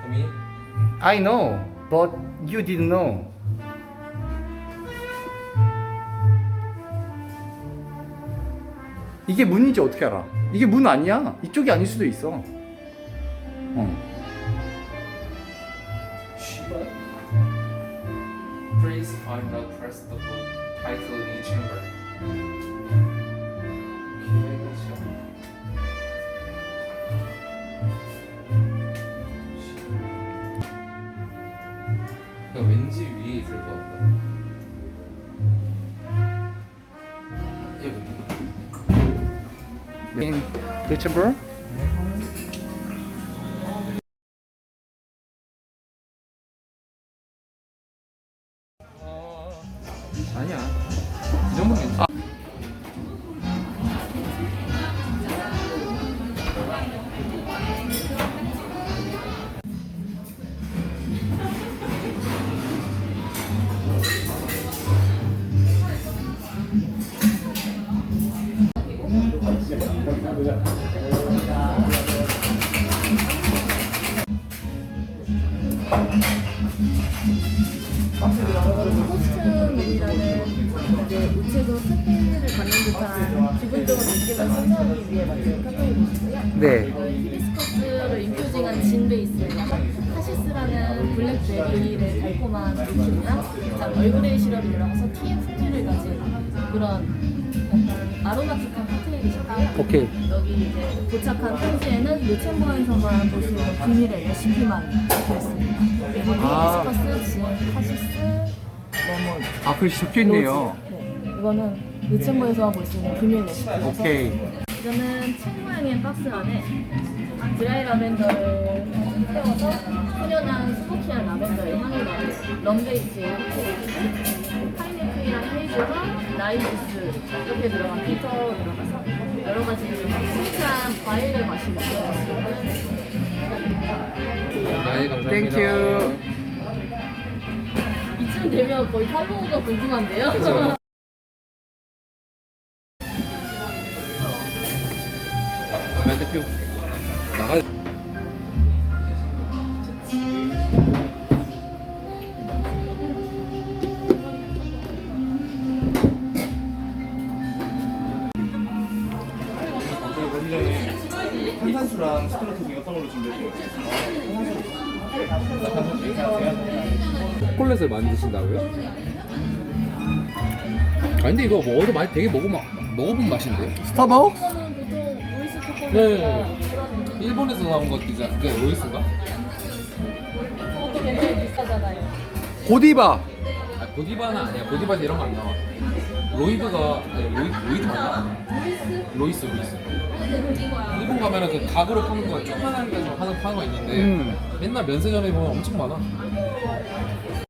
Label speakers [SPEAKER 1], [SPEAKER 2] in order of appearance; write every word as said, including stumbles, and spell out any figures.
[SPEAKER 1] me.
[SPEAKER 2] I know, but you didn't know. 이게 문인지 어떻게 알아? 이게 문 아니야. 이쪽이 아닐 수도 있어. 어.
[SPEAKER 1] Please find the press the book title in chamber. 오케이, 그렇죠. 그러니까 왠지 위에 있을 것 같다. 여기.
[SPEAKER 2] In the chamber?
[SPEAKER 1] 아니야. 이 정도면 괜찮아.
[SPEAKER 2] 아.
[SPEAKER 3] 코스튬이라는 이제 우체국 스페인을 갖는 듯한 기본적인 느낌을 선사하기 위해 만든 카페인이고요.
[SPEAKER 2] 네.
[SPEAKER 3] 히비스커스를 인퓨징한 진 베이스에다가 카시스라는 블랙베리의 달콤한 느낌이랑 그다음 얼그레이 시럽이 들어가서 티의 풍미를 가진 그런 아로마틱한 칵테일이신데요.
[SPEAKER 2] 오케이.
[SPEAKER 3] 여기 이제 도착한 편지에는 요챔버에서만 볼 수 있는 비밀의 레시피만 적혀있습니다. 그리고
[SPEAKER 2] 아.
[SPEAKER 3] 히비스커스, 진, 카시스, 레몬,
[SPEAKER 2] 아, 글씨 적혀 있네요.
[SPEAKER 3] 로즈. 네, 이거는 요챔버에서만 볼 수 있는 비밀 레시피라서
[SPEAKER 2] 오케이.
[SPEAKER 3] 이거는 책 모양의 박스 안에 드라이 라벤더를 태워서 훈연한 스모키한 라벤더의 향이 나는 럼베이지에 파인애플이랑 헤이즐과 라이주스 이렇게 들어간 필터 들어가서 여러 가지 스위트한 과일을 마시는
[SPEAKER 1] 네, 감사합니다.
[SPEAKER 2] 땡큐.
[SPEAKER 3] 이쯤 되면 거의 팔로우가 궁금한데요?
[SPEAKER 1] 그쵸. 멘트 피우. 나가.
[SPEAKER 4] 탄산수랑 스트로토기 어떤 걸로 준비해요?
[SPEAKER 1] 초콜릿을 만드신다고요? 아 근데 이거 뭐 어디서 많이 되게 먹어 먹어본 맛인데.
[SPEAKER 2] 스타벅스?
[SPEAKER 3] 이거는 보통 로이스 초콜릿이나
[SPEAKER 1] 네.
[SPEAKER 3] 그런
[SPEAKER 1] 일본에서 나온 것이잖아. 그게 로이스인가?
[SPEAKER 3] 그것도 굉장히 비싸잖아요.
[SPEAKER 2] 고디바.
[SPEAKER 1] 아 고디바는 아니야. 고디바에서 이런 거 안 나와. 로이드가 아니, 로이 로이드 맞나? 로이스 로이스. 일본 가면은 그 닭으로 파는 거 조그만한 게 하는 파는 거 있는데
[SPEAKER 2] 음.
[SPEAKER 1] 맨날 면세점에 보면 엄청 많아.